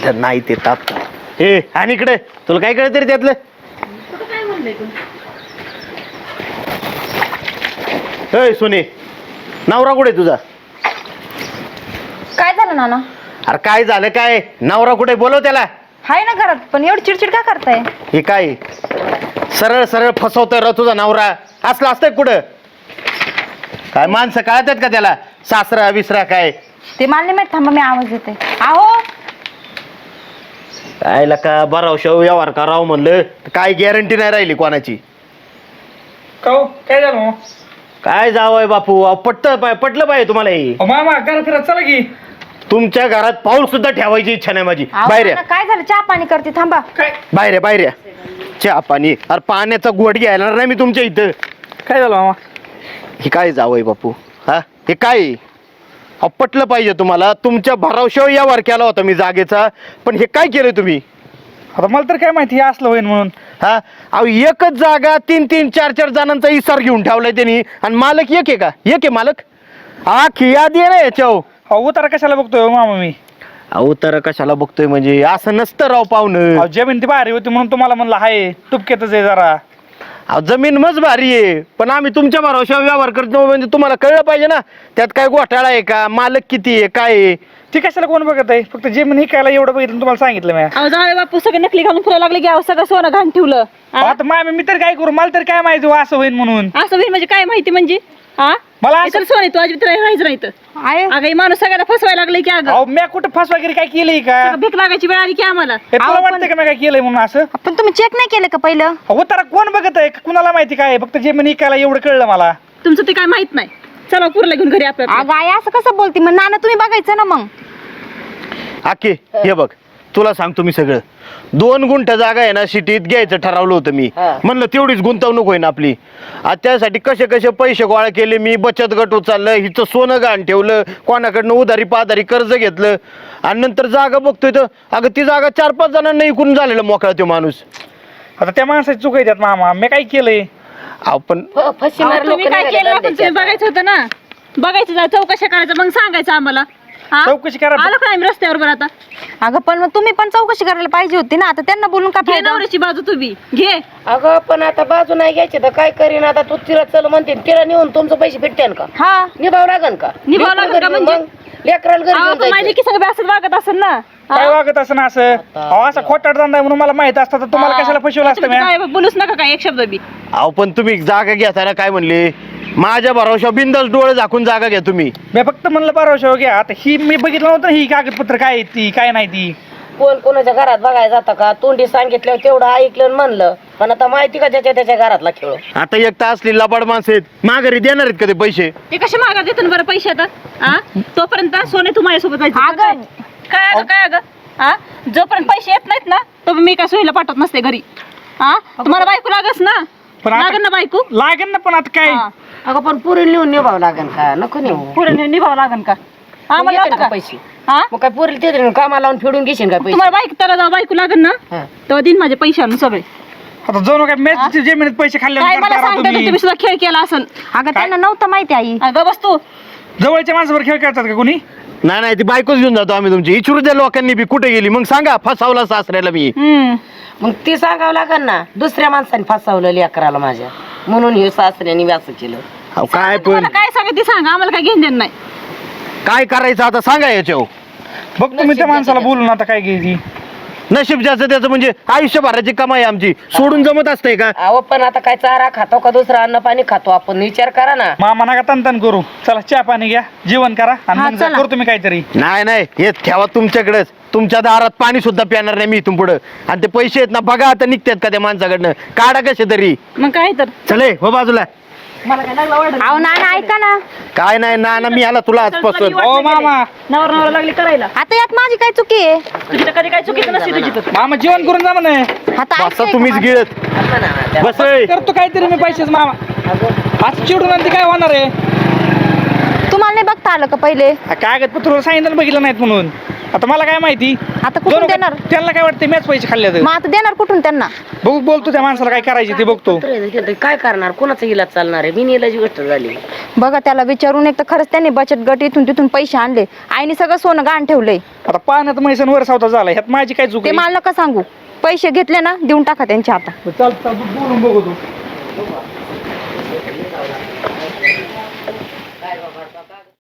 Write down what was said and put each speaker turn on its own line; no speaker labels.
नाही ते ताप हे आणि इकडे तुला काय कळत रे त्यातलं
काय म्हणलंय तू
सोने नवरा कुठे तुझा
काय झालं नाना?
अरे काय झालं काय नवरा कुठे बोलव त्याला
हाय ना घरात पण एवढी चिडचिड का करताय?
हे काय सरळ सरळ फसवतोय र तुझा नवरा असलं असतंय कुठं काय माणसं कळतात का त्याला सासरा विसरा काय
ते मला नाही माहित थांबा मी आवाज देते. आहो
काय लका बराव शेव व्यवहार करावं म्हणलं काय गॅरंटी नाही राहिली कोणाची
काय झालं
काय जावंय बापू पटलं पाहिजे तुम्हाला हे
मामा घरात फिरत चला की
तुमच्या घरात पाऊल सुद्धा ठेवायची इच्छा नाही माझी बाहेर या.
काय झालं? चहा पाणी करते थांबा.
काय
बाहेर या चहा पाणी अरे पाण्याचा गोट घ्यायला नाही मी तुमच्या इथं
काय झालं मामा
हे काय जावंय बापू हा हे काय पटलं पाहिजे तुम्हाला तुमच्या भरावशाव व्यवहार केला होता मी जागेचा पण हे काय केलं तुम्ही
आता मला तर काय माहिती हे असलं होईल म्हणून
हा अहो एकच जागा 3-4 जणांचा इसार घेऊन ठेवलाय त्यांनी आणि मालक एक आहे का एक आहे मालक आखी यादी आहे ना याच्यावर
उतारा कशाला बघतोय मामा मी
अहो तर कशाला बघतोय म्हणजे असं नसतं राव पाहुणं
जमीन ती भारी होती म्हणून तुम्हाला म्हणलं हाय तुपकेतच आहे जरा
अहो जमीन मज भारी आहे पण आम्ही तुमच्या भरोश्यावर व्यवहार करतो म्हणजे तुम्हाला कळलं पाहिजे ना त्यात काय घोटाळा आहे का मालक किती आहे काय आहे
ती कशाला कोण बघत आहे फक्त जमीन हिकायला एवढं बघितलं तुम्हाला सांगितलं मी
अहो जाऊ बापू सगळे नकली घालून फिरायला लागले की अहो सगळं सोनं घाण ठेवलं
आता मामी मी तर काय करू मला तर काय माहिती असं होईल म्हणून
असं होईल म्हणजे काय माहिती म्हणजे हा
मला
तर सोने तू अजिबात राहायचं नाही तर
आहे
अगं हे माणूस सगळ्यांना फसवायला लागले की अगं
मी कुठं फस वगैरे काय केलंय का
सगळं भीक लागायची वेळ आली की आम्हाला
हे तुला वाटतं का मी काय केलंय म्हणून असं
पण तुम्ही चेक नाही केलं का पहिलं?
उतारा कोण बघत आहे कुणाला माहिती काय फक्त जमीन हिकायला एवढं कळलं मला
तुमचं ते काय माहित नाही चला पुरला घेऊन घरी आपल्या
अगं आई असं कसं बोलते मग नाना तुम्ही बघायचं ना मग.
आके हे बघ तुला सांगतो मी सगळं 2 गुंठ जागा आहे ना सिटीत घ्यायचं ठरवलं होतं मी म्हणलं तेवढीच गुंतवणूक होईन आपली आता त्यासाठी कसे कसे पैसे गोळा केले मी बचत गट उचललं हिचं सोनं गहाण ठेवलं कोणाकडनं उधारी पाधारी कर्ज घेतलं आणि नंतर जागा बघतोय तर अगं ती जागा 4-5 जणांना इकून झालेला मोकळा तो माणूस
आता त्या माणसाची चूक आहे त्यात मामा मी काय केलंय
आपण
तुम्ही काय केलं आपण तुम्ही बघायचं होतं ना बघायचं चौकशा करायचं मग सांगायचं आम्हाला हा?
चौकशी करा
आलो काय आम्ही रस्त्यावर बरं आता
अगं पण मग तुम्ही पण चौकशी करायला पाहिजे होती ना आता त्यांना बोलून का
घे
फायदा?
नवऱ्याची बाजू तुम्ही घे
अगं पण आता बाजू नाही घ्यायची तर काय करीन आता तू तिला चल म्हणते तिला नेऊन तुमचं पैसे भेटते का
हा
निभाव लागन का
निभावं लागन का म्हणजे?
लेकराला घरी
अहो,
घेऊन
पण माझी
जायचं.
की सगळं असं वागत असेल ना
काय वागत असं ना असं असा खोटाट धंदा आहे म्हणून मला माहित असतं तर तुम्हाला कशाला फसवलं असतं
तुम्ही
मी
काय बोलूच नका काय एक शब्द बी
अहो पण तुम्ही जागा घेताना काय म्हणले माझ्या भरोशा बिंदास डोळे झाकून जागा घ्या तुम्ही
मी फक्त म्हणलं परवा घ्या आता ही मी बघितलं नव्हतं ही कागदपत्र काय आहे ती काय नाही ती
कोण कोणाच्या घरात बघायला जातं का तोंडी सांगितल्यावर तेवढं ऐकलं आणि म्हणलं पण आता माहिती का ज्याच्या त्याच्या घरातला खेळ
आता एक तास असली लबाड माणसं आहेत माघारी देणार आहेत का ते पैसे
ते कशा मागा देतो बरं पैसे आता हा तोपर्यंत सोने तू माझ्यासोबत जायचं
अगं.
काय अगं हा जोपर्यंत पैसे येत नाहीत ना तो मी काय सोयीला पाठवत नसते घरी हा तुम्हाला बायको लागस ना
पण आता-
लागन ना बायको
लागेल ना पण आता काय
हा.
अगं पण पुरी नेऊन निभाव लागन का नको नेऊ
पुढे निभावं लागन का हा मला
येते
लावता
का
का
पैसे
हा
मग काय पुरी ते कामाला लावून फेडून घेशील का पैसे
तुम्हाला बायको त्याला जाऊ बायको लागन ना
हा.
तेव्हा दिन माझे पैसे आणून सगळे
आता जाऊ काय मॅच जमिनीत पैसे खाल्ले
काय मला सांगता तुम्ही सुद्धा खेळ केला असेल
अगं त्यांना नव्हतं माहिती आई.
अगं बस तू
जवळच्या माणसावर खेळ खेळतात का कोणी
नाही ती बायकोच घेऊन जातो आम्ही तुमची इचुरू द्या लोकांनी बी कुठे गेली मग सांगा फसावला सासऱ्याला मी
मग ती सांगावं लागन ना दुसऱ्या माणसाने फसवलं लेकराला माझ्या म्हणून हे सासऱ्याने व्यास केलं
अहो काय पण
तुम्हाला काय सांगा ते सांगा आम्हाला काय घेऊन देणं नाही
काय करायचं आता सांगा याच्यावर
बघ तुम्ही त्या माणसाला बोलून आता काय घ्यायची
नशीब ज्याचं त्याचं म्हणजे आयुष्यभराची कमाई आमची सोडून जमत असतंय का
अहो पण आता काय चारा खातो का दुसरा अन्न पाणी खातो आपण विचार करा ना
मामा नका तन करू चला चहा पाणी घ्या जेवण करा आणि
हा,
मग जा,
चला.
करतो मी काहीतरी
नाही हे ठेवा तुमच्याकडेच तुमच्या दारात पाणी सुद्धा पिणार नाही मी इथून पुढं आणि ते पैसे आहेत ना बघा आता निघतात का त्या माणसाकडनं काढा कसे तरी
मग काय तर
चले हो बाजूला
मला काय लागला ऑर्डर
अहो नाना ऐका ना
काय नाही ना मी आला तुला आजपासून
हो मामा
नवरा लागली करायला
आता यात माझी काय चुकी आहे?
तुझी तर कधी काय चुकीचं नसते तुझी तर
मामा जेवण करून जा म्हणे
आता
बसा
ऐका
तुम्हीच
का?
गिळत
असं ना त्या-
बस रे.
करतो काहीतरी मी पैसेच मामा आज चिडून आणि ते काय होणार आहे
तुम्हाला नाही बघता आलं का पहिले?
कागदपत्र सांगितलं बघितलं नाहीत म्हणून आता मला काय माहिती
आता कुठून देणार?
त्यांना काय वाटतं मॅच पैसे खाल्ले तर
मग आता देणार कुठून त्यांना?
बघू बोलतो त्या माणसाला काय करायचे ते बघतो
काय करणार कोणाचा इलाज चालणार आहे बिनइलाजी गोष्ट झाली
बघा त्याला विचारून एक तर खरंच त्यांनी बचत गट इथून तिथून पैसे आणले आईने सगळं सोनं गहाण ठेवलंय
आता पाण्यात मैसन वर सावता झाला ह्यात माझी काय चूक
ते
आहे?
मला नका सांगू पैसे घेतले ना देऊन टाका त्यांच्या हातात
चालतं बोलून बघू तू